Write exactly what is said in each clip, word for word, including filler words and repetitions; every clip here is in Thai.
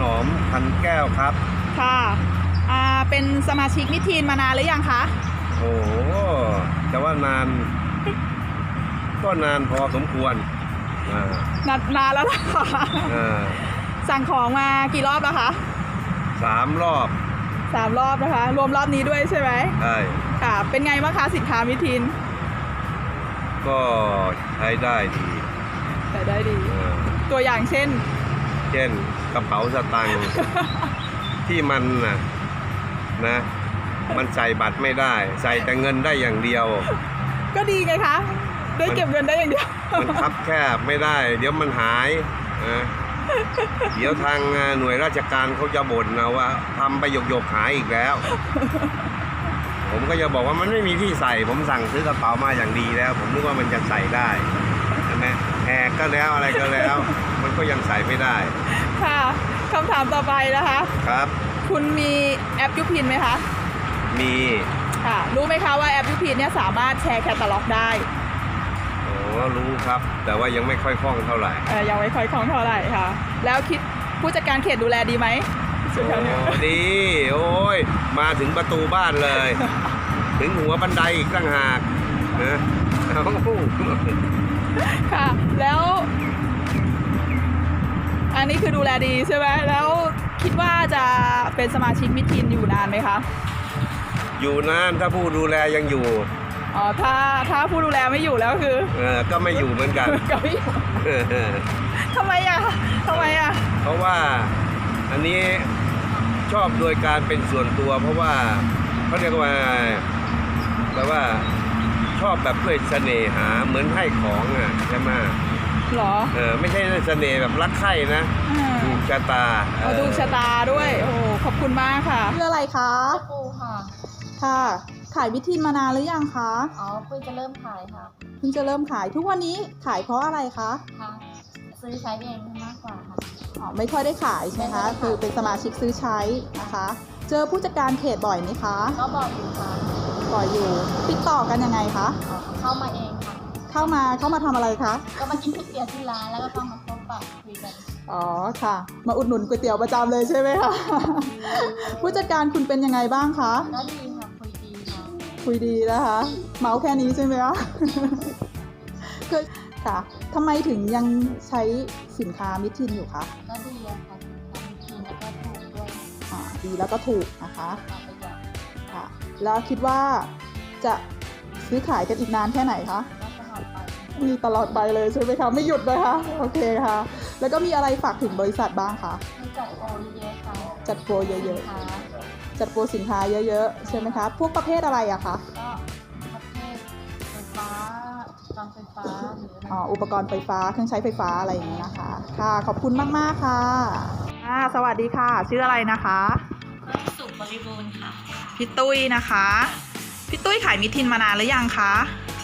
นอมพันแก้วครับค่ะอ่าเป็นสมาชิกมิทีนมานานหรือยังคะโอ้โหแต่ว่านานก็นานพอสมควรนานนานแล้วล่ะสั่งของมากี่รอบแล้วคะสามรอบสามรอบนะคะรวมรอบนี้ด้วยใช่ไหมใช่ค่ะเป็นไงบ้างคะสินค้ามิทีนก็ใช้ได้ดีใช้ได้ดีตัวอย่างเช่นเช่นกระเป๋าสตางค์ที่มันนะนะมันใส่บัตรไม่ได้ใส่แต่เงินได้อย่างเดียวก็ดีไงคะได้เก็บเงินได้อย่างเดียวมันคับแคบไม่ได้เดี๋ยวมันหายนะเดี๋ยวทางหน่วยราชการเขาจะบ่นนะว่าทำไปหยกๆหายอีกแล้วผมก็จะบอกว่ามันไม่มีที่ใส่ผมสั่งซื้อกระเป๋ามาอย่างดีแล้วผมนึกว่ามันจะใส่ได้ใช่ไหมแหกก็แล้วอะไรก็แล้วมันก็ยังใส่ไม่ได้ค่ะคำถามต่อไปนะคะครับคุณมีแอปยูพินไหมคะมีค่ะรู้ไหมคะว่าแอปยูพินเนี่ยสามารถแชร์แคตตาล็อกได้โอ้รู้ครับแต่ว่ายังไม่ค่อยคล่องเท่าไหร่เออยังไม่ค่อยคล่องเท่าไหร่ค่ะแล้วคิดผู้จัดการเขตดูแลดีไหมโอ้ดีโอ้ยมาถึงประตูบ้านเลยถึงหัวบันไดอีกต่างหากนะค่ะแล้วอันนี้คือดูแลดีใช่ไหมแล้วคิดว่าจะเป็นสมาชิกมิทีนอยู่นานไหมคะอยู่นานถ้าผู้ดูแลยังอยู่อ๋อถ้าถ้าผู้ดูแลไม่อยู่แล้วคือเออก็ไม่อยู่เหมือนกันก็ไม่อยู่ทำไมอ่ะทำไมอ่ะเพราะว่าอันนี้ชอบโดยการเป็นส่วนตัวเพราะว่าเขาเรียกว่าแปลว่าชอบแบบด้วยเสน่หาเหมือนให้ของอ่ะใช่ไหมหรอเออไม่ใช่เสน่ห์แบบรักใคร่นะดูชะตาดูชะตาด้วยโอ้ขอบคุณมากค่ะชื่ออะไรคะปูค่ะค่ะขายมิทีนมานานหรือยังคะอ๋อเพิ่งจะเริ่มขายค่ะเพิ่งจะเริ่มขายทุกวันนี้ขายเพราะอะไรคะค่ะซื้อใช้เองมากกว่าค่ะอ๋อไม่ค่อยได้ขายใช่ไหมคะคือเป็นสมาชิกซื้อใช้นะคะเจอผู้จัดการเขตบ่อยไหมคะก็บ่อยอยู่ค่ะบ่อยอยู่ติดต่อกันยังไงคะเข้ามาเองค่ะเข้ามาเข้ามาทำอะไรคะก็มากินก๋วยเตี๋ยวที่ร้านแล้วก็เข้ามาพบปะคุยกันอ๋อค่ะมาอุดหนุนก๋วยเตี๋ยวประจำเลยใช่ไหมคะผู้จัดการคุณเป็นยังไงบ้างคะก็ดีค่ะคุยดีค่ะคุยดีนะคะเมาแค่นี้ใช่ไหมคะคือค่ะทำไมถึงยังใช้สินค้ามิทีนอยู่คะก็ดีอะค่ะมิทีนแล้วก็ถูกด้วยอ่าดีแล้วก็ถูกนะคะค่ะแล้วคิดว่าจะซื้อขายกันอีกนานแค่ไหนคะมีตลอดไปเลยใช่ไหมคะไม่หยุดเลยคะโอเคค่ะแล้วก็มีอะไรฝากถึงบริษัทบ้างคะจัดโปรเยอะๆค่ะจัดโปรเยอะๆจัดโปรสินค้าเยอะๆใช่ไหมคะพวกประเภทอะไรอะคะก็ประเภทไฟฟ้าการไฟฟ้าหรืออ๋ออุปกรณ์ไฟฟ้าเครื่องใช้ไฟฟ้าอะไรอย่างนี้นะคะค่ะขอบคุณมากๆค่ะอ่าสวัสดีค่ะชื่ออะไรนะคะสุขบริบูรณ์ค่ะพี่ตุ้ยนะคะพี่ตุ้ยขายมิทีนมานานหรือยังคะ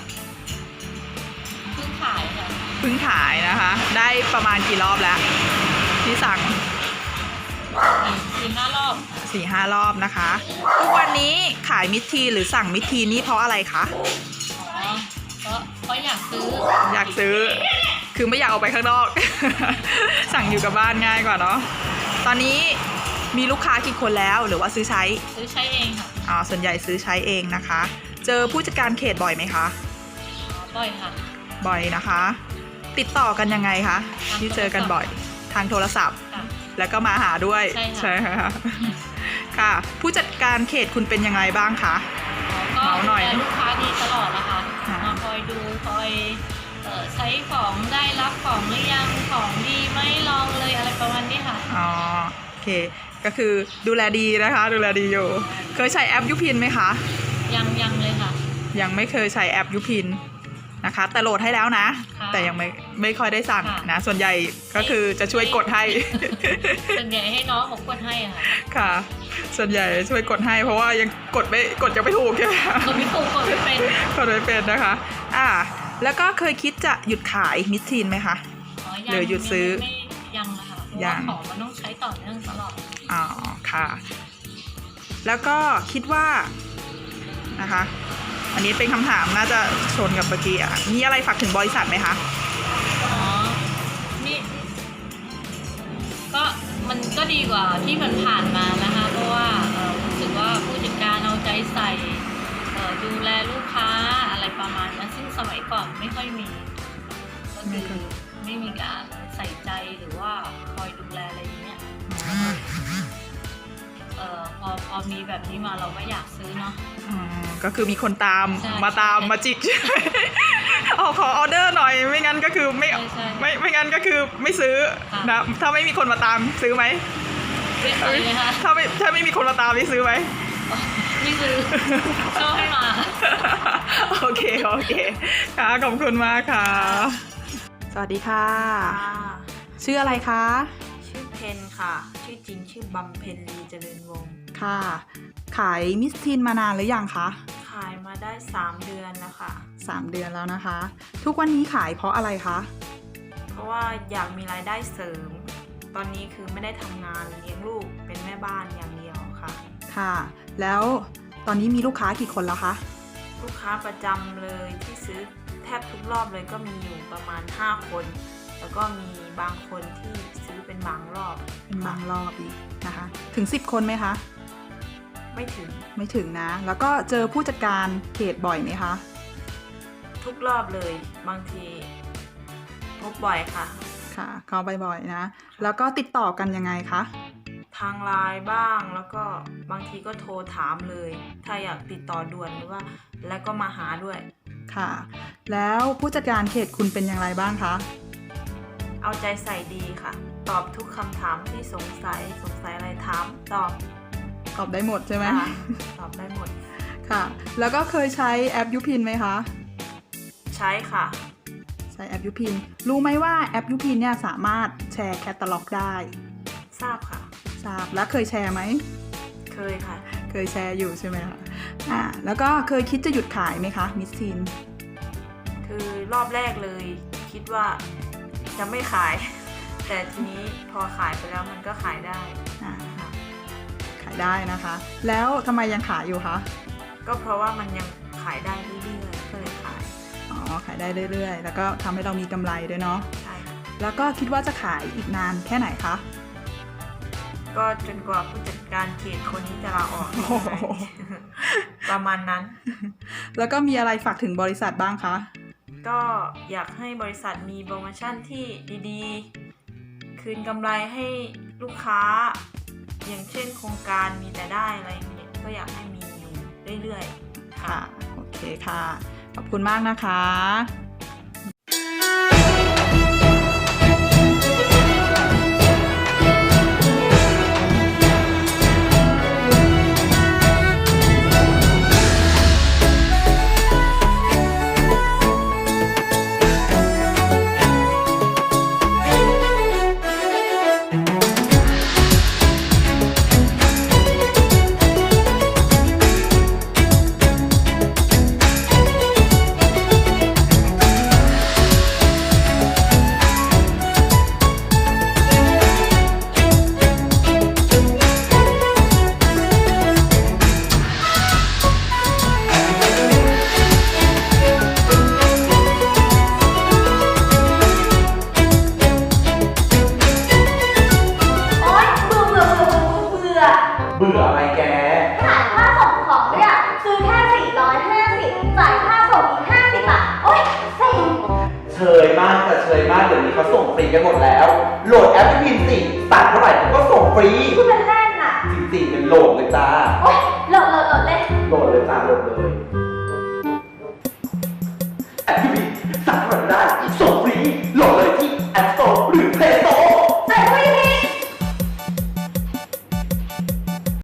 เพิ่งขายค่ะเพิ่งขายนะคะได้ประมาณกี่รอบแล้วที่สั่งสี่ห้ารอบสี่ห้ารอบนะคะทุกวันนี้ขายมิทีนหรือสั่งมิทีนนี่เพราะอะไรคะอ๋อเพราะเพราะอยากซื้ออยากซื้อคือไม่อยากออกไปข้างนอก สั่งอยู่กับบ้านง่ายกว่าเนาะตอนนี้มีลูกค้ากี่คนแล้วหรือว่าซื้อใช้ซื้อใช้เองค่ะอ๋อส่วนใหญ่ซื้อใช้เองนะคะเจอผู้จัดการเขตบ่อยไหมคะบ่อยค่ะบ่อยนะคะติดต่อกันยังไงคะที่เจอกันบ่อยทางโทรศัพท์แล้วก็มาหาด้วยใช่ค่ะค่ะผู้จัดการเขตคุณเป็นยังไงบ้างคะก็หน่อยลูกค้าดีตลอดนะคะมาคอยดูคอยใช้ของได้รับของหรือยังของดีไหมลองเลยอะไรประมาณนี้ค่ะอ๋อโอเคก็คือดูแลดีนะคะดูแลดีอยู่เคยใช้แอปยูพินไหมคะยังยังเลยค่ะยังไม่เคยใช้แอปยูพินนะคะแต่โหลดให้แล้วนะแต่ยังไม่ไม่ค่อยได้สั่งนะส่วนใหญ่ก็คือจะช่วยกดให้ส่วนใหญ่ให้น้องผมกดให้ค่ะค่ะส่วนใหญ่ช่วยกดให้เพราะว่ายังกดไม่กดยังไม่ถูกใช่ไหมกดไม่ถูกกดไม่เป็นกดไม่เป็นนะคะอ่าแล้วก็เคยคิดจะหยุดขายมิทีนไหมคะหรือหยุดซื้อยังนะคะเพราะว่าของมันต้องใช้ต่อเนื่องตลอดอ๋อค่ะแล้วก็คิดว่านะคะอันนี้เป็นคำถามน่าจะชนกับเมื่อกี้อ่ะมีอะไรฝากถึงบริษัทไหมคะอ๋อนี่ก็มันก็ดีกว่าที่มันผ่านมานะคะ เพราะว่าเอ่อรู้สึกว่าผู้จัดการเอาใจใส่เอ่อดูแลลูกค้าอะไรประมาณนั้นซึ่งสมัยก่อนไม่ค่อยมีก็คือไม่มีการใส่ใจหรือว่าคอยดูแลอะไรอย่างเงี้ยเอ่อพอพอมีแบบนี้มาเราก็อยากซื้อเนาะอ๋อก็คือมีคนตามใช่มาตามมาจิก เอาขอออเดอร์หน่อยไม่งั้นก็คือไม่ใช่ใช่ไม่ไม่งั้นก็คือไม่ซื้อค่ะนะถ้าไม่มีคนมาตามซื้อไหมไม่เคยเลยค่ะถ้าไม่ถ้าไม่มีคนมาตามนี่ซื้อไหมไม่ซื้อชอบให้มาโอเคโอเคค่ะขอบคุณมากค่ะ สวัสดีค่ะค่ะชื่ออะไรคะชื่อเพนค่ะ ชื่อจริงชื่อบำเพ็ญลีเจริญวงศ์ค่ะ ขายมิสทีนมานานหรือยังคะขายมาได้สามเดือนแล้วค่ะสามเดือนแล้วนะคะ ทุกวันนี้ขายเพราะอะไรคะเพราะว่าอยากมีรายได้เสริม ตอนนี้คือไม่ได้ทำงานเลี้ยงลูกเป็นแม่บ้านอย่างเดียวค่ะค่ะ แล้วตอนนี้มีลูกค้ากี่คนแล้วคะลูกค้าประจำเลยที่ซื้อแทบทุกรอบเลยก็มีอยู่ประมาณห้าคน แล้วก็มีบางคนที่ซื้อเป็นบางรอบเป็นบางรอบอีกนะคะ ถึงสิบคนไหมคะไม่ถึงไม่ถึงนะ แล้วก็เจอผู้จัดการเขตบ่อยไหมคะทุกรอบเลย บางทีพบบ่อยค่ะค่ะเข้าบ่อยๆนะ แล้วก็ติดต่อกันยังไงคะทางไลน์บ้างแล้วก็บางทีก็โทรถามเลย ถ้าอยากติดต่อด่วนหรือว่าแล้วก็มาหาด้วยค่ะ แล้วผู้จัดการเขตคุณเป็นอย่างไรบ้างคะเอาใจใส่ดีค่ะ ตอบทุกคำถามที่สงสัยสงสัยอะไรถามตอบตอบได้หมดใช่ไหมค่ะตอบได้หมดค่ะ แล้วก็เคยใช้แอปยูพินไหมคะใช้ค่ะใช้แอปยูพิน รู้ไหมว่าแอปยูพินเนี่ยสามารถแชร์แคตตาล็อกได้ทราบค่ะทราบ แล้วเคยแชร์ไหมเคยค่ะเคยแชร์อยู่ใช่ไหมคะ อ่า แล้วก็เคยคิดจะหยุดขายไหมคะมิสทีนคือรอบแรกเลยคิดว่าจะไม่ขาย แต่ทีนี้พอขายไปแล้วมันก็ขายได้อ่าค่ะขายได้นะคะ แล้วทำไมยังขายอยู่คะก็เพราะว่ามันยังขายได้เรื่อยๆก็เลยขายอ๋อ ขายได้เรื่อยๆ แล้วก็ทำให้เรามีกำไรด้วยเนาะใช่ค่ะแล้วก็คิดว่าจะขายอีกนานแค่ไหนคะก็จนกว่าผู้จัดการเขตคนนี้จะลาออกโอ้โหประมาณนั้นแล้วก็มีอะไรฝากถึงบริษัทบ้างคะก็อยากให้บริษัทมีโปรโมชั่นที่ดีๆ คืนกำไรให้ลูกค้า อย่างเช่นโครงการมีแต่ได้อะไรอย่างเงี้ยก็อยากให้มีอยู่เรื่อยๆค่ะ โอเคค่ะ ขอบคุณมากนะคะโอ๊ยเบื่อเบื่อเบื่อเบื่อเบื่อเบื่ออะไรแกขายค่าส่งของด้วยอ่ะซื้อแค่สี่ร้อยห้าสิบจ่ายค่าส่งอีกห้าสิบบาทโอ๊ยเซ็งเชยมากแต่เชยมากเดี๋ยวนี้เขาส่งฟรีกันหมดแล้ว โหลดแอปพินสิตัดเท่าไหร่ผมก็ส่งฟรีพูดเป็นเล่นน่ะจริงๆเป็นโหลดเลยจ้าโอ๊ยโหลดโหลดโหลดเลยโหลดเลยจ้าโหลดเลยแอปพินสั่งเท่าไหร่ได้ส่ง